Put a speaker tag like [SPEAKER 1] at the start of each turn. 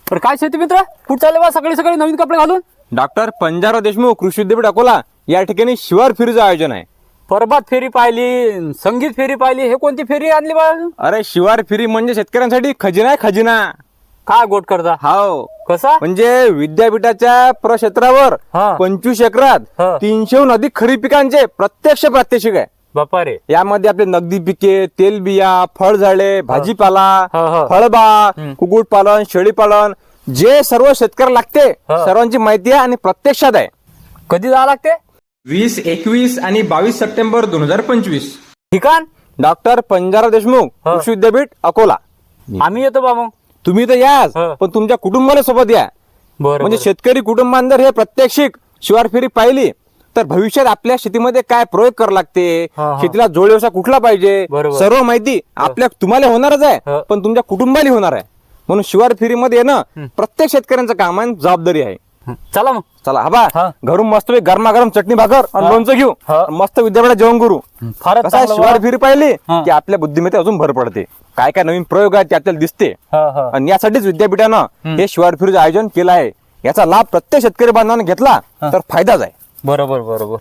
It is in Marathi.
[SPEAKER 1] तर काय शेती मित्र कुठं चालले बा सकाळी सकाळी नवीन कपडे घालून?
[SPEAKER 2] डॉक्टर पंजाबराव देशमुख कृषी विद्यापीठ अकोला या ठिकाणी शिवार फेरीचं आयोजन आहे.
[SPEAKER 1] परबात फेरी पाहिली, संगीत फेरी पाहिली, हे कोणती फेरी आणली बा?
[SPEAKER 2] अरे शिवार फेरी म्हणजे शेतकऱ्यांसाठी खजिना आहे, खजिना.
[SPEAKER 1] काय गोट करता?
[SPEAKER 2] हाव,
[SPEAKER 1] कसा?
[SPEAKER 2] म्हणजे विद्यापीठाच्या प्रक्षेत्रावर
[SPEAKER 1] हा.
[SPEAKER 2] 25 एकरात
[SPEAKER 1] हा.
[SPEAKER 2] 300हून अधिक खरीप पिकांचे प्रत्यक्ष प्रात्यक्षिक आहे.
[SPEAKER 1] बापा रे.
[SPEAKER 2] यामध्ये आपले नगदी पिके, तेलबिया, फळझाडे, भाजीपाला,
[SPEAKER 1] हा.
[SPEAKER 2] फळबाग, कुक्कुटपालन, शेळीपालन, जे सर्व शेतकऱ्याला लागते
[SPEAKER 1] हा.
[SPEAKER 2] सर्वांची माहिती आहे आणि प्रत्यक्षात आहे.
[SPEAKER 1] कधी जावं लागते?
[SPEAKER 2] 20, 21 आणि 22 सप्टेंबर 2025.
[SPEAKER 1] ठिकाण?
[SPEAKER 2] डॉक्टर पंजाबराव देशमुख
[SPEAKER 1] हा.
[SPEAKER 2] कृषी विद्यापीठ अकोला.
[SPEAKER 1] आम्ही येतो बा मग.
[SPEAKER 2] तुम्ही तर याच,
[SPEAKER 1] हा.
[SPEAKER 2] पण तुमच्या कुटुंबाला सोबत या.
[SPEAKER 1] बरं
[SPEAKER 2] म्हणजे
[SPEAKER 1] बरं.
[SPEAKER 2] शेतकरी कुटुंबांनी जर हे प्रत्यक्षिक शिवार फेरी पाहिली तर भविष्यात आपल्या शेतीमध्ये काय प्रयोग करावं लागते,
[SPEAKER 1] हा, हा.
[SPEAKER 2] शेतीला जोड व्यवसाय कुठला पाहिजे,
[SPEAKER 1] बरोबर.
[SPEAKER 2] सर्व माहिती आपल्या तुम्हाला होणारच
[SPEAKER 1] हा.
[SPEAKER 2] आहे, पण तुमच्या कुटुंबाला होणार आहे. म्हणून शिवार फेरीमध्ये येणं प्रत्येक शेतकऱ्यांचं काम आहे, जबाबदारी आहे.
[SPEAKER 1] चला मग.
[SPEAKER 2] चला हबा
[SPEAKER 1] हा.
[SPEAKER 2] घरून मस्त गरमागरम चटणी भाकर आणि
[SPEAKER 1] हा.
[SPEAKER 2] लोणचं घेऊ,
[SPEAKER 1] हा.
[SPEAKER 2] मस्त विद्यापीठात जेवण करू.
[SPEAKER 1] फारच
[SPEAKER 2] कसं आहे,
[SPEAKER 1] चांगलं
[SPEAKER 2] शिवार
[SPEAKER 1] बा.
[SPEAKER 2] फेरी पाहिली
[SPEAKER 1] हा.
[SPEAKER 2] की आपल्या बुद्धिमत्ता अजून भर पडते. काय काय नवीन प्रयोग आहेत ते आपल्याला दिसते.
[SPEAKER 1] हा, हा.
[SPEAKER 2] आणि यासाठीच विद्यापीठानं हे शिवार फेरीचं आयोजन केलं आहे. याचा लाभ प्रत्येक शेतकरी बांधवांना घेतला तर फायदाच आहे.
[SPEAKER 1] बरोबर बरोबर.